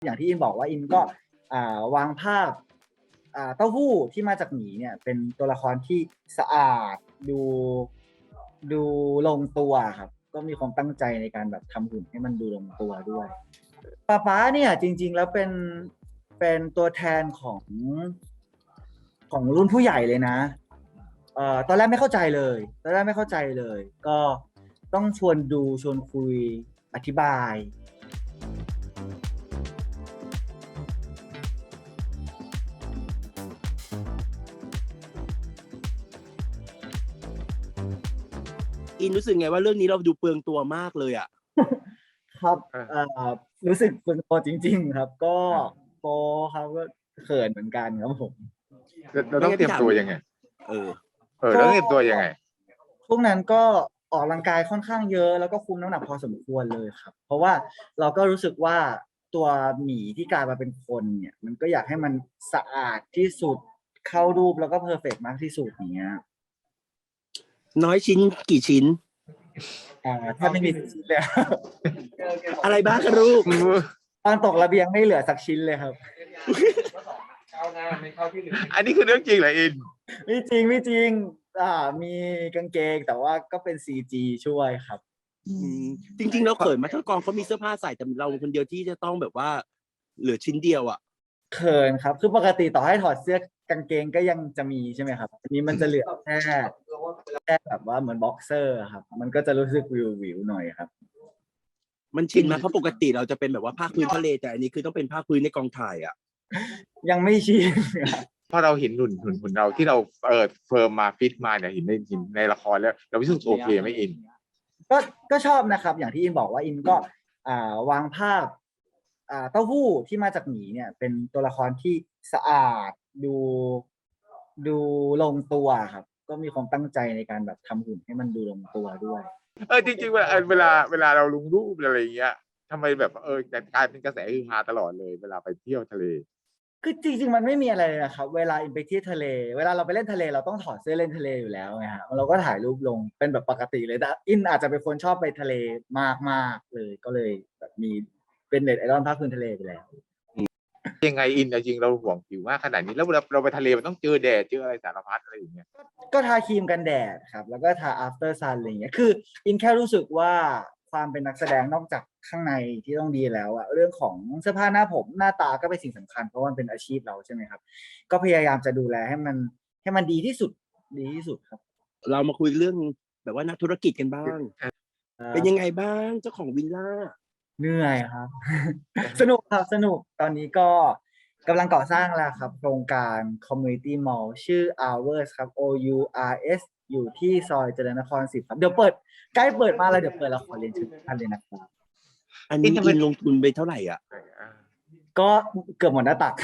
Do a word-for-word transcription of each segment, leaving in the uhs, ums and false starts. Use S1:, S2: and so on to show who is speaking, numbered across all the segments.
S1: อย่างที่อินบอกว่าอินก็อ่าวางภาพอ่าเต้าหู้ที่มาจากหมีเนี่ยเป็นตัวละครที่สะอาดดูดูลงตัวครับก็มีความตั้งใจในการแบบทำหุ่นให้มันดูลงตัวด้วยป๊าป๊าเนี่ยจริงๆแล้วเป็นเป็นตัวแทนของของรุ่นผู้ใหญ่เลยนะเอ่อตอนแรกไม่เข้าใจเลยตอนแรกไม่เข้าใจเลย ก็ต้องชวนดูชวนคุยอธิบาย
S2: อินรู้สึกไงว่าเรื่องนี้เราดูเปลืองตัวมากเลยอ่ะ
S1: ครับเอ่อรู้สึกเป็นโปรจริงๆครับก็โปรครับก็เขินเหมือนกันครับผม
S3: เราต้องเตรียมตัวยังไง
S2: เออ
S3: เออเราต้องเตรียมตัวยังไง
S1: ช่วงนั้นก็ออกกำลังกายค่อนข้างเยอะแล้วก็คุมน้ำหนักพอสมควรเลยครับเพราะว่าเราก็รู้สึกว่าตัวหมีที่กลายมาเป็นคนเนี่ยมันก็อยากให้มันสะอาดที่สุดเข้ารูปแล้วก็เพอร์เฟกต์มากที่สุดเนี้ย
S2: น้อยชิ้นกี่ชิ้น
S1: อ่าถ้าไม่มีชิ้นเลย
S2: อะไรบ้างครับลูก
S1: ตอนตกระเบียงไม่เหลือสักชิ้นเลยครับ
S3: อันนี้คือเรื่องจริงเหรออิน
S1: ไม่จริงไม่จริงอ่ามีกางเกงแต่ว่าก็เป็น ซี จี ช่วยครับ
S2: จริงๆเราเขินมาทั้งกองเขามีเสื้อผ้าใส่แต่เราคนเดียวที่จะต้องแบบว่าเหลือชิ้นเดียวอ่ะ
S1: เขินครับคือปกติต่อให้ถอดเสื้อกางเกงก็ยังจะมีใช่ไหมครับอันนี้มันจะเหลือแค่แค่แบบว่าเหมือนบ็อกเซอร์ครับมันก็จะรู้สึกวิววิวหน่อยครับ
S2: มันชินไหมเพราะปกติเราจะเป็นแบบว่าภาคพื้นทะเลแต่อันนี้คือต้องเป็นภาคพื้นในกองถ่ายอ่ะ
S1: ยังไม่ชิน
S3: พอเราเห็นหุ่นหุ่นหุ่นเราที่เราเออเฟิร์มมาฟิตมาเนี่ยเห็นในเห็นในละครแล้วเรารู้สึกโอเคไหมอิน
S1: ก็ก็ชอบนะครับอย่างที่อินบอกว่าอินก็อ่าวางภาพอ่าเต้าหู้ที่มาจากหมีเนี่ยเป็นตัวละครที่สะอาดดูดูลงตัวครับก็มีความตั้งใจในการแบบทำหุ่นให้มันดูลงตัวด้วย
S3: เออจริงๆเวลาเวลาเวลาเราลงรูปอะไรอย่างเงี้ยทำไมแบบเออกลายเป็นกระแสฮือฮาตลอดเลยเวลาไปเที่ยวทะเล
S1: คือจริงๆมันไม่มีอะไรเลยนะครับเวลาอินไปเที่ยวทะเลเวลาเราไปเล่นทะเลเราต้องถอดเสื้อเล่นทะเลอยู่แล้วไงฮะเราก็ถ่ายรูปลงเป็นแบบปกติเลยแต่อินอาจจะเป็นคนชอบไปทะเลมากๆเลยก็เลยแบบมีเป็นเน็ตไอดอลภาคพื้นทะเลไปแล้ว
S3: ยังไงอินจริงเราห่วงผิวมากขนาดนี้แล้วเราเราไปทะเลมันต้องเจอแดดเจออะไรสารพัดอะไรอย่างเงี้ย
S1: ก็ทาครีมกันแดดครับแล้วก็ทา after sun อะไรอย่างเงี้ยคืออินแค่รู้สึกว่าความเป็นนักแสดงนอกจากข้างในที่ต้องดีแล้วอะเรื่องของเสื้อผ้าหน้าผมหน้าตาก็เป็นสิ่งสำคัญเพราะมันเป็นอาชีพเราใช่ไหมครับก็พยายามจะดูแลให้มันให้มันดีที่สุดดีที่สุดครับ
S2: เรามาคุยเรื่องแบบว่านักธุรกิจกันบ้างเป็นยังไงบ้างเจ้าของวิลล่า
S1: เหนื่อยครับ สนุกครับสนุกตอนนี้ก็กำลังก่อสร้างแล้วครับโครงการ Community Mall ชื่อ Hours ครับ O U R S อยู่ที่ซอยเจริญนครสิบครับเดี๋ยวเปิดใกล้เปิดมาแล้วเดี๋ยวเปิดแล้วขอเรียนเชิญท่านเลยนะครับ
S2: อันนี้อินลงทุนไปเท่าไหร่อ่ะ
S1: ก็เกือบหมดหน้าตัก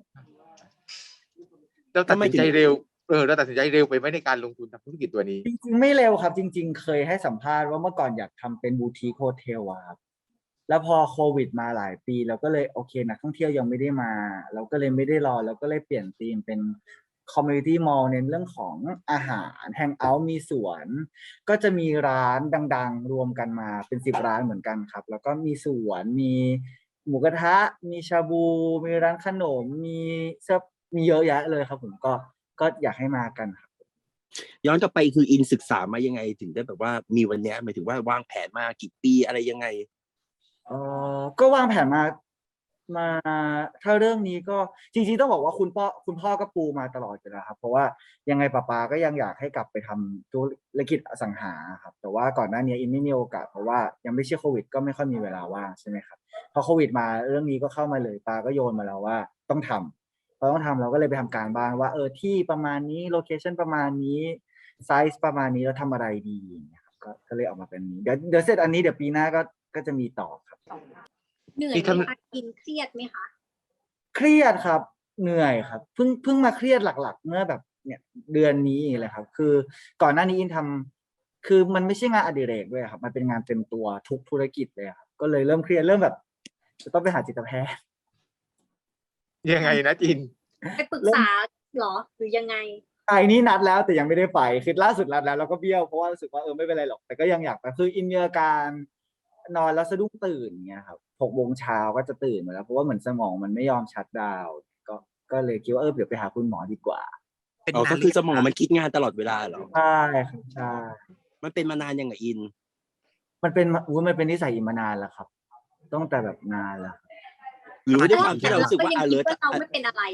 S3: เราตัดสินใจเร็วเออเราตัดสินใจเร็วไปไหมในการลงทุนทำธุรกิจตัวนี้
S1: จริงๆไม่เร็วครับจริงๆเคยให้สัมภาษณ์ว่าเมื่อก่อนอยากทำเป็นบูติคโฮเทลอะครับแล้วพอโควิดมาหลายปีเราก็เลยโอเคนักท่องเที่ยวยังไม่ได้มาเราก็เลยไม่ได้รอเราก็เลยเปลี่ยนธีมเป็น Community Mall เน้นเรื่องของอาหารแฮงเอาท์มีสวนก็จะมีร้านดังๆรวมกันมาเป็นสิบร้านเหมือนกันครับแล้วก็มีสวนมีหมูกระทะมีชาบูมีร้านขนมมีเสื้อมีเยอะแยะเลยครับผมก็ก็อยากให้มากันครับ
S2: ย้อนกลับไปคืออินศึกษามายังไงถึงได้แบบว่ามีวันนี้หมายถึงว่าวางแผนมากี่ปีอะไรยังไง
S1: เออก็วางแผนมามาถ้าเรื่องนี้ก็จริงๆต้องบอกว่าคุณพ่อคุณพ่อก็ปูมาตลอดอยู่แล้วครับเพราะว่ายังไงป้าป๊าก็ยังอยากให้กลับไปทำธุรกิจอสังหาครับแต่ว่าก่อนหน้านี้อินไม่มีโอกาสเพราะว่ายังไม่ใช่โควิดก็ไม่ค่อยมีเวลาว่างใช่ไหมครับพอโควิดมาเรื่องนี้ก็เข้ามาเลยป้าก็โยนมาแล้วว่าต้องทำพอต้องทำเราก็เลยไปทำการบ้านว่าเออที่ประมาณนี้โลเคชั่นประมาณนี้ไซส์ประมาณนี้แล้วทำอะไรดีนะครับก็ก็เลยออกมาเป็นนี้เดี๋ยวเดี๋ยวเสร็จอันนี้เดี๋ยวปีหน้าก็ก็จะมีต่อครับ
S4: เหนื่อยไหมคะกินเครียดไหมคะ
S1: เครียดครับเหนื่อยครับเพิ่งเพิ่งมาเครียดหลักๆเมื่อแบบเนี่ยเดือนนี้เลยครับคือก่อนหน้านี้อินทำคือมันไม่ใช่งานอดิเรกด้วยครับมันเป็นงานเต็มตัวทุกธุรกิจเลยครับก็เลยเริ่มเครียดเริ่มแบบจะต้องไปหาจิตแพทย์
S3: ยังไงนะจิน
S4: ไปปรึกษาหรอหรือยังไง
S1: ไอ้นี่นัดแล้วแต่ยังไม่ได้ไปคือล่าสุดนัดแล้วเราก็เบี้ยวเพราะว่ารู้สึกว่าเออไม่เป็นไรหรอกแต่ก็ยังอยากไปคืออินมีอาการนอนแล้วสะดุ้งตื่นเงี้ยครับหกโมงเช้าก็จะตื่นมาแล้วเพราะว่าเหมือนสมองมันไม่ยอมชัตดาวน์ก็ก็เลยคิดว่าเออเดี๋ยวไปหาคุณหมอดีกว่า
S5: เป็น
S2: อ๋อ
S5: นา
S2: ก็
S5: นห
S2: คือ
S5: รื
S2: ส
S5: ยัง
S2: มอง
S5: คะ
S2: มันคิดงานตลอดเวลาเหรอ
S1: ใช่ครับใช่
S2: มันเป็นมานานยังไงอิน
S1: มันเป็นมาอุ้ยมันเป็นนิสัยอินมานานแล้วครับตั้งแต่แบบนานแล้ว
S2: หรือว่าด้วย
S4: แล้
S2: ความที่เรารู้สึกว่า
S4: ก็ยังคิด
S2: alert
S4: ว่าเรา
S2: อะ
S4: ไม่เป็นอะไร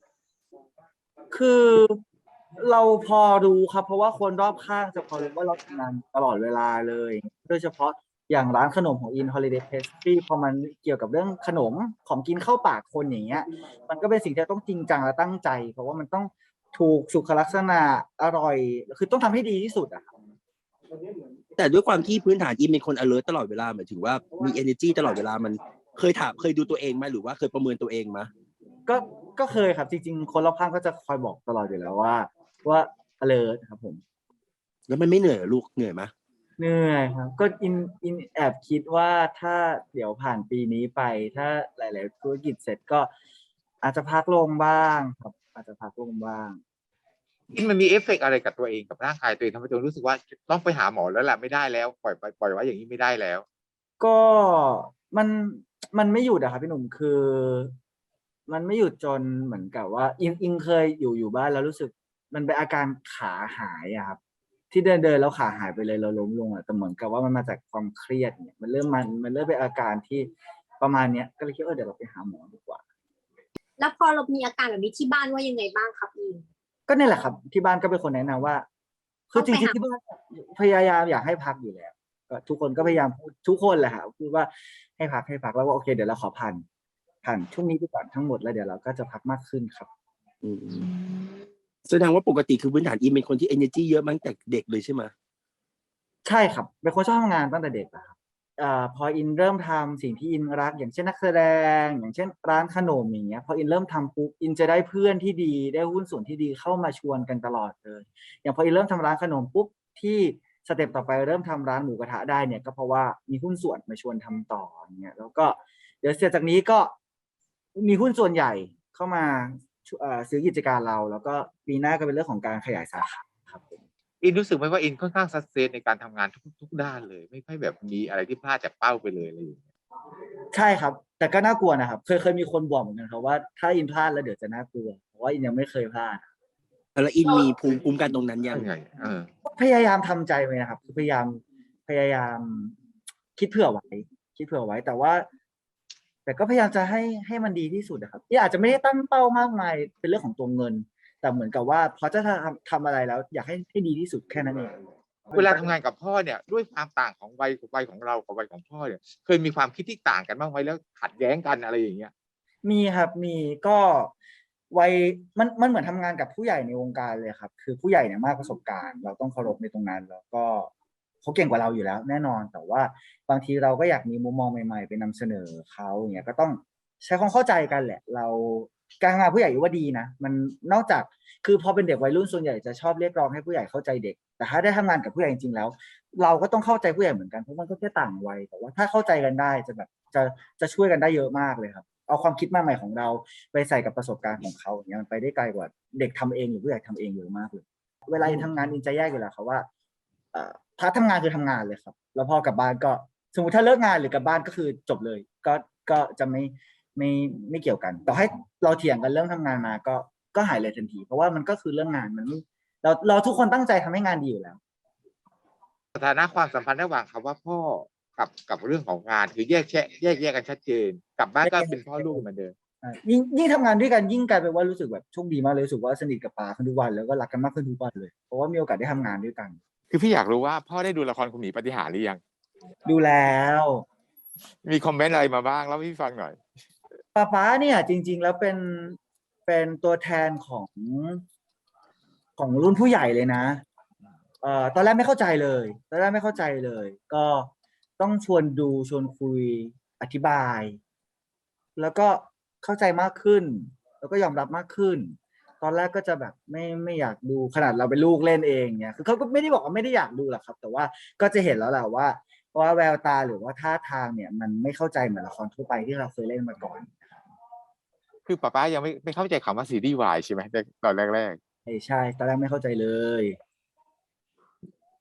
S1: คือเราพอรู้ครับ เพราะว่าคนรอบข้างจะพอรู้ว่าเราทำงานตลอดเวลาเลย โดยเฉพาะอย่างร้านขนมของ In Holiday Pastry พอมันเกี่ยวกับเรื่องขนมของกินเข้าปากคนอย่างเงี้ย มันก็เป็นสิ่งที่ต้องจริงจังและตั้งใจ เพราะว่ามันต้องถูกสุขลักษณะอร่อย คือต้องทำให้ดีที่สุดอะครับ
S2: แต่ด้วยความที่พื้นฐานอินเป็นคน alert ตลอดเวลาหมายถึงว่ามี energy ตลอดเวลามันเคยถามเคยดูตัวเองไหมหรือว่าเคยประเมินตัวเองไหม
S1: ก็ก็เคยครับจริงๆ คนรอบข้างก็จะคอยบอกตลอดอยู่แล้วว่า ว่า alert ครับผม
S2: แล้วมันไม่เหนื่อยเหรอลูกเหนื่อยไหม
S1: เหนื่อยครับ ก็อินอินแอบคิดว่าถ้าเดี๋ยวผ่านปีนี้ไป ถ้าหลาย ๆ ธุรกิจเสร็จก็อาจจะพักลงบ้างครับ อาจจะพักลงบ้าง
S3: มันมีเอฟเฟกต์อะไรกับตัวเองกับร่างกายตัวเองทำให้ตัวเองรู้สึกว่าต้องไปหาหมอแล้วแหละไม่ได้แล้วปล่อยไปปล่อยไว้อย่างนี้ไม่ได้แล้ว
S1: ก็มันมันไม่หยุดอะครับพี่หนุ่มคือ มันไม่หยุดจนเหมือนกับว่า อิงอิงเคยอยู่อยู่บ้านแล้วรู้สึก มันเป็นอาการขาหายอะครับ ที่เดินเดินแล้วขาหายไปเลยเราล้มลงอะแต่เหมือนกับว่ามันมาจากความเครียดเนี่ยมันเริ่มมันมันเริ่มเป็นอาการที่ประมาณเนี้ยก็เลยคิดว่าเออเดี๋ยวเราไปหาหมอดีกว่า
S4: แล้วพอเรามีอาการแบบนี้ที่บ้านว่ายังไงบ้างครับอิน
S1: ก็เนี่ยแหละครับ ที่บ้านก็เป็นคนแนะนำว่า คือจ
S4: ต้องไป
S1: ริง
S4: หา
S1: ๆที่บ้านพยายามอยากให้พักอยู่แล้วก็ทุกคนก็พยายามพูดทุกคนแหละครับพูดว่าให้พักให้พักแล้วว่าโอเคเดี๋ยวเราขอผ่านผ่านช่วงนี้ไปก่อนทั้งหมดแล้วเดี๋ยวเราก็จะพักมากขึ้นครับ
S2: อืมแสดงว่าปกติคือพื้นฐานอินเป็นคนที่ energy เยอะมาตั้งแต่เด็กเลยใช่ไหม
S1: ใช่ครับเป็นคนชอบทำงานตั้งแต่เด็กอะครับอ่าพออินเริ่มทำสิ่งที่อินรัก อย่างเช่นนักแสดง อย่างเช่นร้านขนมอย่างเงี้ยพออินเริ่มทำปุ๊บอินจะได้เพื่อนที่ดีได้หุ้นส่วนที่ดีเข้ามาชวนกันตลอดเลย อย่างพออินเริ่มทำร้านขนมปุ๊บที่สเต็ปต่อไปเริ่มทำร้านหมูกระทะได้เนี่ยก็เพราะว่ามีหุ้นส่วนมาชวนทำต่ออย่างเงี้ยแล้วก็เดี๋ยวเสร็จจากนี้ก็มีหุ้นส่วนใหญ่เข้ามาเอ่อซื้อกิจการเรา แล้วก็ปีหน้าก็เป็นเรื่องของการขยายสาขาครับผม
S3: อินรู้สึกไหมว่าอินค่อนข้างสักเซสในการทำงานทุกทุกด้านเลย ไม่ค่อยแบบมีอะไรที่พลาดจากเป้าไปเลยอะไรอย่างเงี้ย
S1: ใช่ครับ แต่ก็น่ากลัวนะครับ เคยเคยมีคนบอกเหมือนกันครับว่าถ้าอินพลาดแล้วเดี๋ยวจะน่ากลัวเพราะว่าอินยังไม่เคยพลาด
S2: แล้วอินมีภูมิคุ้มกันตรงนั้นยัง
S3: ยังไงเออ
S1: พยายามทำใจไว้นะครับคือพยายามพยายามคิดเผื่อไว้ คิดเผื่อไว้ แต่ว่า แต่ก็พยายามจะให้ให้มันดีที่สุดนะครับที่อาจจะไม่ได้ตั้งเป้ามากมายเป็นเรื่องของตัวเงิน แต่เหมือนกับว่าพอจะทำทำอะไรแล้ว อยากให้ให้ดีที่สุดแค่นั้นเอง
S3: เวลาทำงานกับพ่อเนี่ยด้วยความต่างของวัยของวัยของเรากับวัยของพ่อเนี่ยเคยมีความคิดที่ต่างกันบ้างไหมแล้วขัดแย้งกันอะไรอย่างเงี้ย
S1: มีครับมีก็วัยมันมันเหมือนทำงานกับผู้ใหญ่ในวงการเลยครับ คือผู้ใหญ่เนี่ยมากประสบการณ์ เราต้องเคารพในตรงนั้น แล้วก็เขาเก่งกว่าเราอยู่แล้วแน่นอน แต่ว่าบางทีเราก็อยากมีมุมมองใหม่ๆไปนำเสนอเขาอย่างเงี้ยก็ต้องใช้ความเข้าใจกันแหละ เราการทำงานผู้ใหญ่ว่าดีนะมันนอกจากคือพอเป็นเด็กวัยรุ่นส่วนใหญ่จะชอบเรียกร้องให้ผู้ใหญ่เข้าใจเด็ก แต่ถ้าได้ทำงานกับผู้ใหญ่จริงๆแล้ว เราก็ต้องเข้าใจผู้ใหญ่เหมือนกันเพราะมันก็แค่ต่างวัยแต่ว่าถ้าเข้าใจกันได้จะแบบจะจะช่วยกันได้เยอะมากเลยครับ เอาความคิดใหม่ๆของเราไปใส่กับประสบการณ์ของเขาอย่างเงี้ยมันไปได้ไกลกว่าเด็กทำเองหรือผู้ใหญ่ทำเองเยอะมากเลยเวลาอินทำงานอินจะแยกอยู่แล้วครับว่าเอ่อพาร์ททำงานคือทำงานเลยครับ แล้วพอกลับบ้านก็สมมติถ้าเลิกงานหรือกลับบ้านก็คือจบเลย ก็ก็จะไม่ไม่ไม่เกี่ยวกันต่อให้เราเถียงกันเรื่องทำงานมาก็ก็หายเลยทันที เพราะว่ามันก็คือเรื่องงานมันไม่เราเราทุกคนตั้งใจทำให้งานดีอยู่แล้ว
S3: สถานะความสัมพันธ์ระหว่างคำว่าพ่อกับกับเรื่องของงานคือแยกแยะแยกแยกกันชัดเจนกลับบ้านก็เป็นพ่อลูกเหมือนเดิม
S1: อ่ายิ่งยิ่งทำงานด้วยกันยิ่งกลายเป็นว่ารู้สึกแบบโชคดีมากเลยรู้สึกว่าสนิทกับปาขึ้นทุกวันแล้วก็รักกันมากขึ้นทุกวันเลยเพราะว่ามีโอกาสได้ทำงานด้วยกัน
S3: คือพี่อยากรู้ว่าพ่อได้ดูละครคุณหมีปาฏิหาริย์หรือยัง
S1: ดูแล้ว
S3: มีคอมเมนต์อะไรมาบ้างเล่าให้พี่ฟังหน่อย
S1: ป้าป๊าเนี่ยจริง ๆ แล้วเป็นเป็นตัวแทนของของรุ่นผู้ใหญ่เลยนะเอ่อตอนแรกไม่เข้าใจเลยตอนแรกไม่เข้าใจเลย ก็ต้องชวนดูชวนคุยอธิบาย แล้วก็เข้าใจมากขึ้น แล้วก็ยอมรับมากขึ้น ตอนแรกก็จะแบบไม่ไม่อยากดูขนาดเราเป็นลูกเล่นเองเนี่ยคือเขาก็ไม่ได้บอกว่าไม่ได้อยากดูหรอกครับ แต่ว่าก็จะเห็นแล้วแหละว่าว่าแววตาหรือว่าท่าทางเนี่ย มันไม่เข้าใจเหมือนละครทั่วไปที่เราเคยเล่นมาก่อน
S3: คือป้าป้ายังไม่ไม่เข้าใจคำว่าซีรีส์วายใช่ไหมตอนแรก
S1: ใช่ใช่ตอนแรกไม่เข้าใจเลย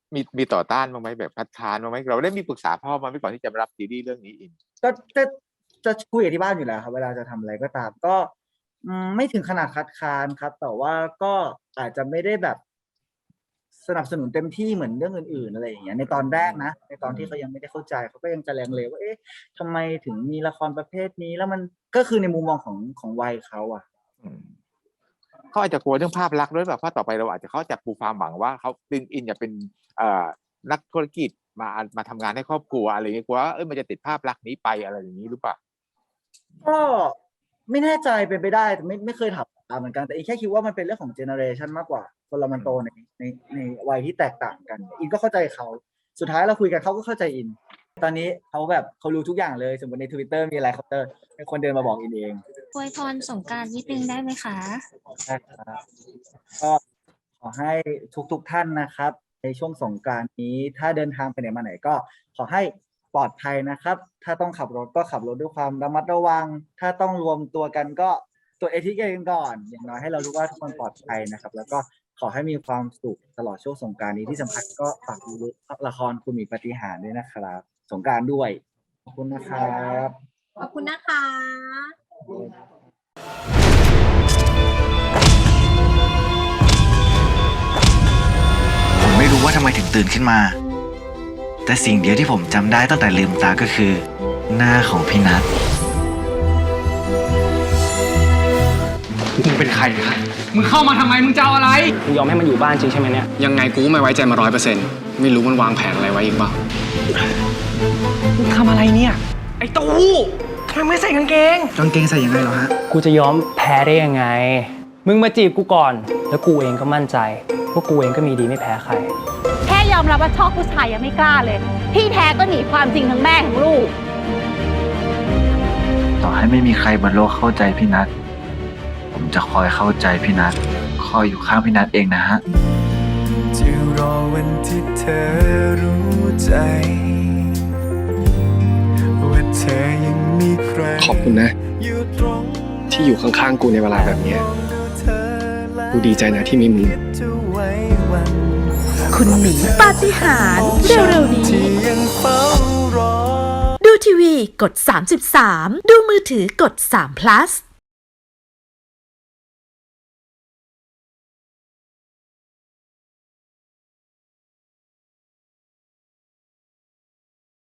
S3: มีมีต่อต้านบ้างไหมแบบคัดค้านบ้างไหมเราได้มีปรึกษาพ่อมาไหมก่อนที่จะมารับซีรีส์เรื่องนี้อิน
S1: ก็จะจะคุยกับที่บ้านอยู่แล้วครับเวลาจะทำอะไรก็ตาม ก็อืมไม่ถึงขนาดคัดค้านครับ แต่ว่าก็อาจจะไม่ได้แบบสนับสนุนเต็มที่เหมือนเรื่องอื่นๆอะไรอย่างเงี้ยในตอนแรกนะในตอนที่เขายังไม่ได้เข้าใจเขาก็ยังจะแรงเลว่าเอ๊ะทำไมถึงมีละครประเภทนี้ แล้วมันก็คือในมุมมองของของวัยเขาอ่ะ
S3: อืมเขาอาจจะกลัวเรื่องภาพลักษณ์ด้วยแบบเพราะต่อไปเราอาจจะเขาจะปูความหวังว่าเขาอินอินจะเป็นเอ่อนักธุรกิจมามาทำงานให้ครอบครัวอะไรอย่างเงี้ยกลัวว่าเอ้ยมันจะติดภาพลักษณ์นี้ไปอะไรอย่างนี้หรือเปล่า
S1: ก็ไม่แน่ใจเป็นไปได้แต่ไม่ไม่เคยถามเหมือนกันแต่อีกแค่คิดว่ามันเป็นเรื่องของเจเนอเรชันมากกว่าคนเรามันโตในในในวัยที่แตกต่างกันอินก็เข้าใจเขาสุดท้ายเราคุยกันเขาก็เข้าใจอิน ตอนนี้เขาแบบเขารู้ทุกอย่างเลยสมมติใน Twitter มีอะไรเขาจะเป็นคนเดินมาบอกอินเอง
S5: อวยพรสงกรานต์นิดนึงได้ไหมคะ
S1: ใช่ครับก็ขอให้ทุกๆท่านนะครับ ในช่วงสงกรานต์นี้ถ้าเดินทางไปไหนมาไหนก็ขอให้ปลอดภัยนะครับ ถ้าต้องขับรถก็ขับรถด้วยความระมัดระวัง ถ้าต้องรวมตัวกันก็ตรวจเอทีเคกันก่อน อย่างน้อยให้เรารู้ว่าทุกคนปลอดภัยนะครับ แล้วก็ขอให้มีความสุขตลอดช่วงสงกรานต์นี้ที่สำคัญก็ฝากดูละครคุณหมีปาฏิหาริย์ด้วยนะครับ สงกรานต์ด้วยขอบคุณนะครับ
S4: ขอบคุณนะคะ
S6: ผมไม่รู้ว่าทำไมถึงตื่นขึ้นมา แต่สิ่งเดียวที่ผมจำได้ตั้งแต่ลืมตาก็คือ หน้าของพี่นัท
S7: มึงเป็นใครครับ มึงเข้ามาทำไม มึงจะเอาอะไร
S8: มึงยอมให้มันอยู่บ้านจริงใช่ไหมเนี่ย
S7: ยังไงกูก็ไม่ไว้ใจมาร้อยเปอร์เซ็นต์ไม่รู้มันวางแผนอะไรไว้อีกเปล่า
S8: มึงทำอะไรเนี่ย ไอ้ตู้ทำไมไม่ใส่กางเกง
S6: กางเกงใส่ยังไงเหรอฮะ
S8: กูจะยอมแพ้ได้ยังไง มึงมาจีบกูก่อน แล้วกูเองก็มั่นใจว่ากูเองก็มีดีไม่แพ้ใคร
S9: แค่ยอมรับว่าชอบผู้ชายยังไม่กล้าเลย ที่แท้ก็หนีความจริงทั้งแม่ทั้งลูก
S6: ต่อให้ไม่มีใครบนโลกเข้าใจพี่นัท ผมจะคอยเข้าใจพี่นัท คอยอยู่ข้างพี่นัทเองนะฮะ
S10: จะรอวันที่เธอรู้ใจว่าเธอยังมีใคร
S7: ขอบคุณนะ
S10: อยู่ตรง
S7: ที่อยู่ข้างๆกูในเวลาแบบนี้ กูดีใจนะที่มีมึง
S9: คุณหมีปาฏิหาริย์เร็วๆนี้
S10: ที่ยังเฝ้ารอ
S9: ดูทีวีกดสามสิบสาม ดูมือถือกดสาม plus